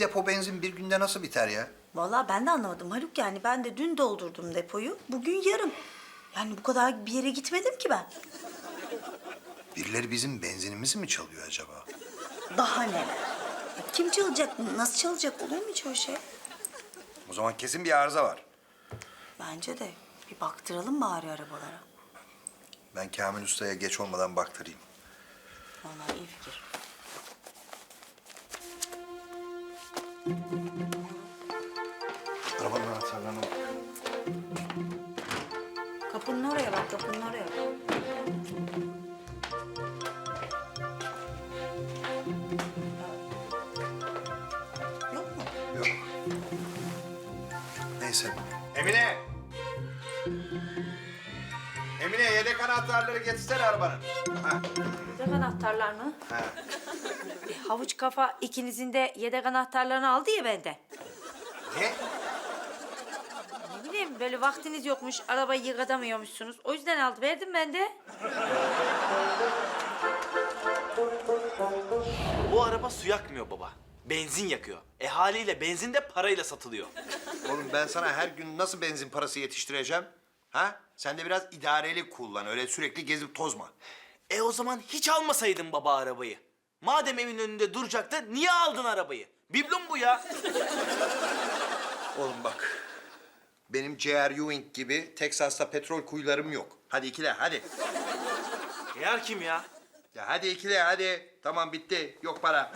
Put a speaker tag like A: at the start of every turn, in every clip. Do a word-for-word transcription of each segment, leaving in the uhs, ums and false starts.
A: depo benzin bir günde nasıl biter ya?
B: Vallahi ben de anlamadım Haluk, yani ben de dün doldurdum depoyu. Bugün yarım. Yani bu kadar bir yere gitmedim ki ben.
A: Birileri bizim benzinimizi mi çalıyor acaba?
B: Daha neler? Ya kim çalacak? Nasıl çalacak? Olur mu hiç öyle şey?
A: O zaman kesin bir arıza var.
B: Bence de. Bir baktıralım bari arabalara.
A: Ben Kamil Usta'ya geç olmadan baktırayım.
B: Vallahi iyi fikir.
A: Arabanın anahtarlarına bak.
B: Kapının oraya bak, kapının oraya. Yok mu?
A: Yok. Neyse. Emine! Emine yedek anahtarları getirsene arabanın. Ha.
C: Yedek anahtarlar mı?
A: Ha.
C: E, havuç kafa ikinizin de yedek anahtarlarını aldı ya benden.
A: Ne?
C: Ne bileyim böyle vaktiniz yokmuş, arabayı yıkatamıyormuşsunuz. O yüzden aldı, verdim ben de.
D: Bu araba su yakmıyor baba. Benzin yakıyor. E haliyle benzin de parayla satılıyor.
A: Oğlum ben sana her gün nasıl benzin parası yetiştireceğim? Ha? Sen de biraz idareli kullan. Öyle sürekli gezip tozma.
D: E o zaman hiç almasaydın baba arabayı. Madem evin önünde duracaktı, niye aldın arabayı? Biblum bu ya.
A: Oğlum bak. Benim J R. Ewing gibi Teksas'ta petrol kuyularım yok. Hadi ikile hadi.
D: Yer kim ya?
A: Ya hadi ikile hadi. Tamam bitti. Yok para.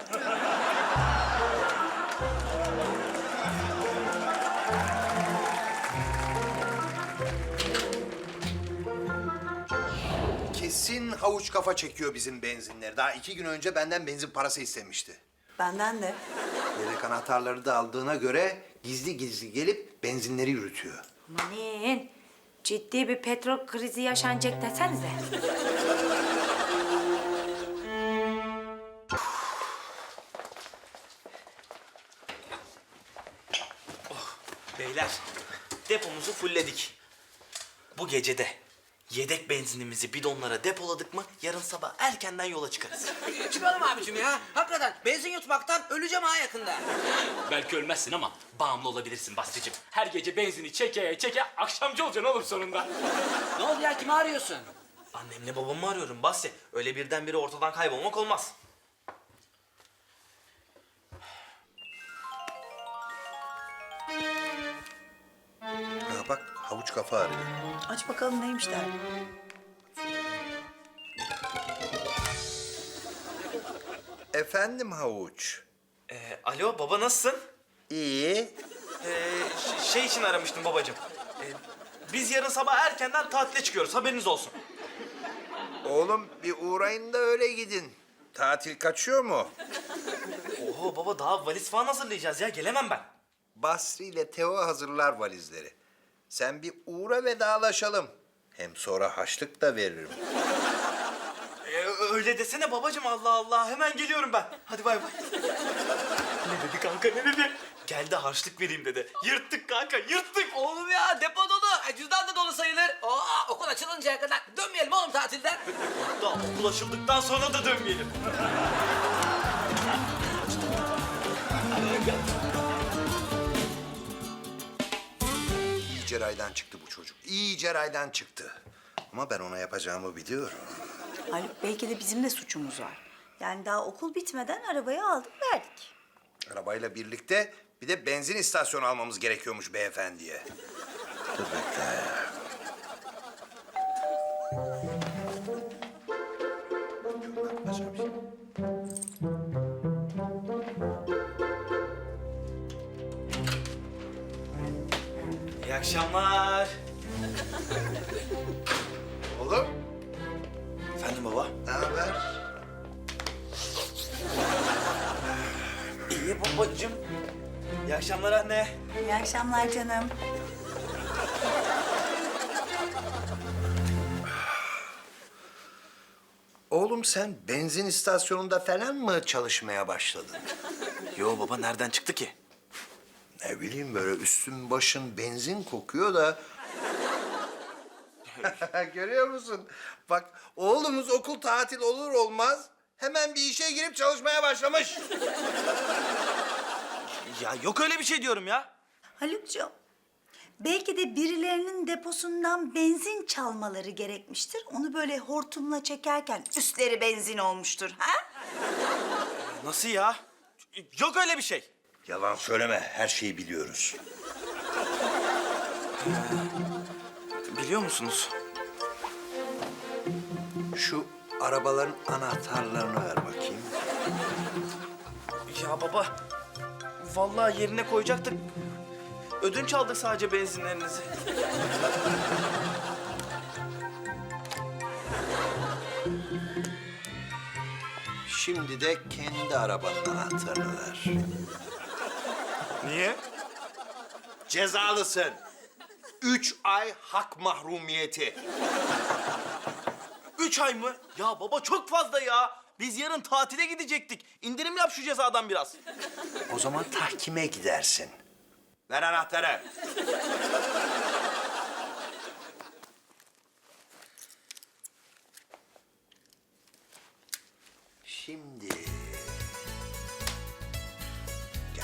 A: Kesin havuç kafa çekiyor bizim benzinleri. Daha iki gün önce benden benzin parası istemişti.
B: Benden de.
A: Yedek anahtarları da aldığına göre gizli gizli gelip benzinleri yürütüyor.
C: Amanın, ciddi bir petrol krizi yaşanacak desenize.
D: Beyler, depomuzu fullledik. Bu gecede yedek benzinimizi bidonlara depoladık mı yarın sabah erkenden yola çıkarız.
E: Çıkalım abicim ya. Hakikaten benzin yutmaktan öleceğim ha yakında.
F: Belki ölmezsin ama bağımlı olabilirsin Basri'cim. Her gece benzini çeke çeke akşamcı olacaksın oğlum sonunda.
E: Ne oldu ya, kimi arıyorsun?
D: Annemle babamı arıyorum Basri. Öyle birdenbire ortadan kaybolmak olmaz.
A: Ha bak havuç kafa arıyor.
B: Aç bakalım neymiş derdi.
A: Efendim havuç.
D: Ee, alo baba nasılsın?
A: İyi.
D: Ee, ş- şey için aramıştım babacığım. Ee, biz yarın sabah erkenden tatile çıkıyoruz, haberiniz olsun.
A: Oğlum bir uğrayın da öyle gidin. Tatil kaçıyor mu?
D: Oho baba, daha valiz falan hazırlayacağız ya, gelemem ben.
A: Basri ile Teo hazırlar valizleri. Sen bir uğra vedalaşalım. Hem sonra haçlık da veririm.
D: Ee, öyle desene babacığım, Allah Allah, hemen geliyorum ben. Hadi bay bay. Ne dedi kanka, ne dedi? Gel de harçlık vereyim dedi. Yırttık kanka, yırttık.
E: Oğlum ya, depo dolu. Ay, cüzdan da dolu sayılır. Aa, okul açılıncaya kadar dönmeyelim oğlum tatilden.
D: Hatta okul açıldıktan sonra da dönmeyelim.
A: İyice raydan çıktı bu çocuk. İyice raydan çıktı. Ama ben ona yapacağımı biliyorum.
B: Haluk, belki de bizim de suçumuz var. Yani daha okul bitmeden arabayı aldık verdik.
A: Arabayla birlikte bir de benzin istasyonu almamız gerekiyormuş beyefendiye. Dur bekle. Başka bir şey.
D: İyi akşamlar.
A: Oğlum,
D: Efendim baba?
A: ne haber?
D: İyi babacığım. İyi akşamlar anne.
B: İyi akşamlar canım.
A: Oğlum sen benzin istasyonunda falan mı çalışmaya başladın?
D: Yo baba, nereden çıktı ki?
A: Ne bileyim böyle üstün başın benzin kokuyor da... Görüyor musun? Bak oğlumuz okul tatil olur olmaz hemen bir işe girip çalışmaya başlamış.
D: Ya yok öyle bir şey diyorum ya.
B: Haluk'cuğum, belki de birilerinin deposundan benzin çalmaları gerekmiştir. Onu böyle hortumla çekerken üstleri benzin olmuştur, ha?
D: Nasıl ya? Yok öyle bir şey.
A: Yalan söyleme, her şeyi biliyoruz.
D: Biliyor musunuz?
A: Şu arabaların anahtarlarını ver bakayım.
D: Ya baba, vallahi yerine koyacaktık. Ödünç aldık sadece benzinlerinizi.
A: Şimdi de kendi arabanın anahtarını ver.
D: Niye?
A: Cezalısın. Üç ay hak mahrumiyeti.
D: Üç ay mı? Ya baba çok fazla ya. Biz yarın tatile gidecektik. İndirim yap şu cezadan biraz.
A: O zaman tahkime gidersin. Ver anahtarı. Şimdi... Gel.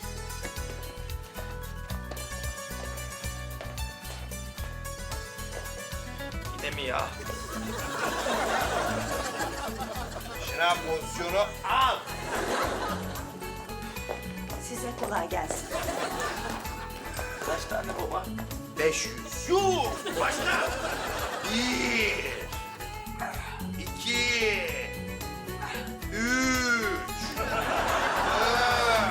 D: Yine mi ya?
A: Şınav pozisyonu al.
B: Size kolay gelsin.
D: Kaç tane baba?
A: Beş yüz. Yuh! Başla. Bir. İki. Üç. Dört.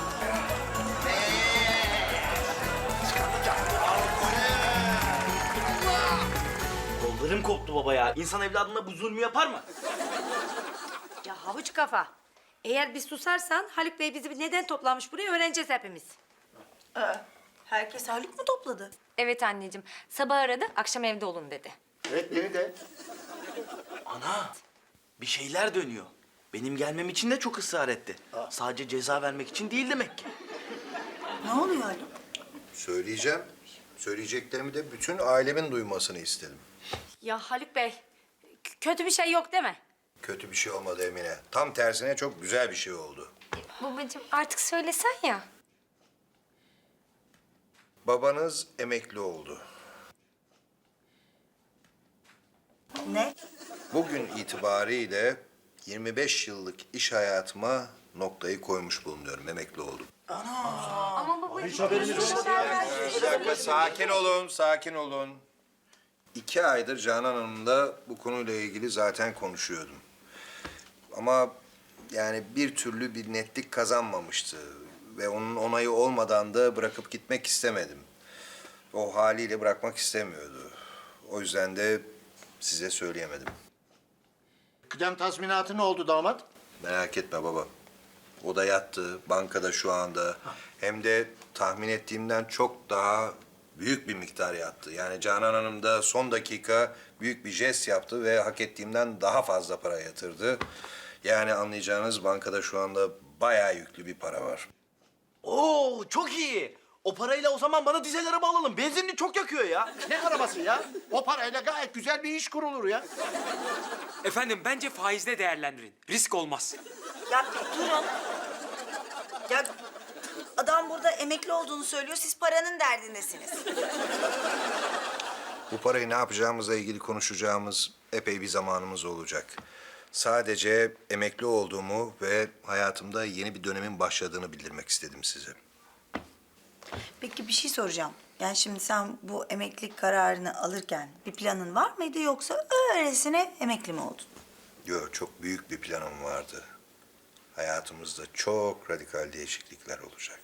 D: Kollarım koptu baba ya. İnsan evladına bu zulmü yapar mı?
C: Ya havuç kafa. Eğer bir susarsan Haluk Bey bizi neden toplamış buraya öğreneceğiz hepimiz.
B: Aa, herkes Haluk mu topladı?
G: Evet anneciğim. Sabah aradı, akşam evde olun dedi.
A: Evet, beni de.
D: Ana, bir şeyler dönüyor. Benim gelmem için de çok ısrar etti. Sadece ceza vermek için değil demek ki.
B: Ne oluyor Haluk?
A: Söyleyeceğim. Söyleyeceklerimi de bütün ailemin duymasını istedim.
C: Ya Haluk Bey, k- kötü bir şey yok değil mi?
A: Kötü bir şey olmadı Emine. Tam tersine çok güzel bir şey oldu.
G: Babacığım artık söylesen ya.
A: Babanız emekli oldu.
B: Ne?
A: Bugün itibariyle yirmi beş yıllık iş hayatıma noktayı koymuş bulunuyorum. Emekli oldum.
G: Ama babacığım...
A: Bir dakika, sakin olun, sakin olun. İki aydır Canan Hanım'la bu konuyla ilgili zaten konuşuyordum. Ama yani bir türlü bir netlik kazanmamıştı. Ve onun onayı olmadan da bırakıp gitmek istemedim. O haliyle bırakmak istemiyordu. O yüzden de size söyleyemedim.
H: Kıdem tazminatı ne oldu damat?
A: Merak etme baba. O da yattı, bankada şu anda. Hem de tahmin ettiğimden çok daha büyük bir miktar yattı. Yani Canan Hanım da son dakika büyük bir jest yaptı ve hak ettiğimden daha fazla para yatırdı. Yani anlayacağınız bankada şu anda bayağı yüklü bir para var.
D: Oo, çok iyi. O parayla o zaman bana dizel araba alalım. Benzinini çok yakıyor ya.
H: Ne arabası ya? O parayla gayet güzel bir iş kurulur ya.
I: Efendim bence faizle değerlendirin. Risk olmaz.
B: Ya bir durun. Ya adam burada emekli olduğunu söylüyor, siz paranın derdindesiniz.
A: Bu parayı ne yapacağımızla ilgili konuşacağımız epey bir zamanımız olacak. Sadece emekli olduğumu ve hayatımda yeni bir dönemin başladığını bildirmek istedim size.
B: Peki bir şey soracağım. Yani şimdi sen bu emeklilik kararını alırken bir planın var mıydı yoksa öylesine emekli mi oldun?
A: Yok, çok büyük bir planım vardı. Hayatımızda çok radikal değişiklikler olacak.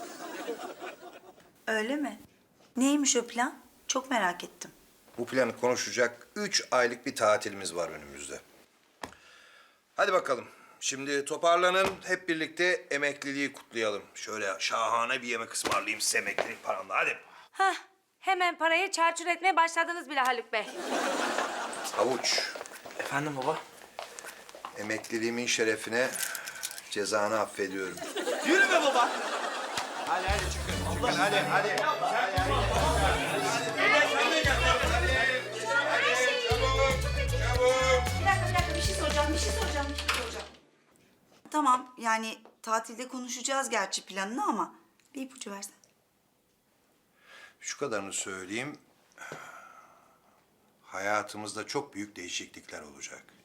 B: Öyle mi? Neymiş o plan? Çok merak ettim.
A: Bu planı konuşacak üç aylık bir tatilimiz var önümüzde. Hadi bakalım. Şimdi toparlanın, hep birlikte emekliliği kutlayalım. Şöyle şahane bir yemek ısmarlayayım size emeklilik paramla, hadi.
C: Hah, hemen parayı çarçur etmeye başladınız bile Haluk Bey.
A: Havuç,
D: Efendim baba?
A: emekliliğimin şerefine cezanı affediyorum.
D: Yürü be baba.
A: Hadi hadi çıkın, çıkın hadi hadi.
B: Bir dakika, bir dakika. Bir şey soracağım, bir şey soracağım, bir şey soracağım. Tamam, yani tatilde konuşacağız gerçi planını ama bir ipucu versen.
A: Şu kadarını söyleyeyim. Hayatımızda çok büyük değişiklikler olacak.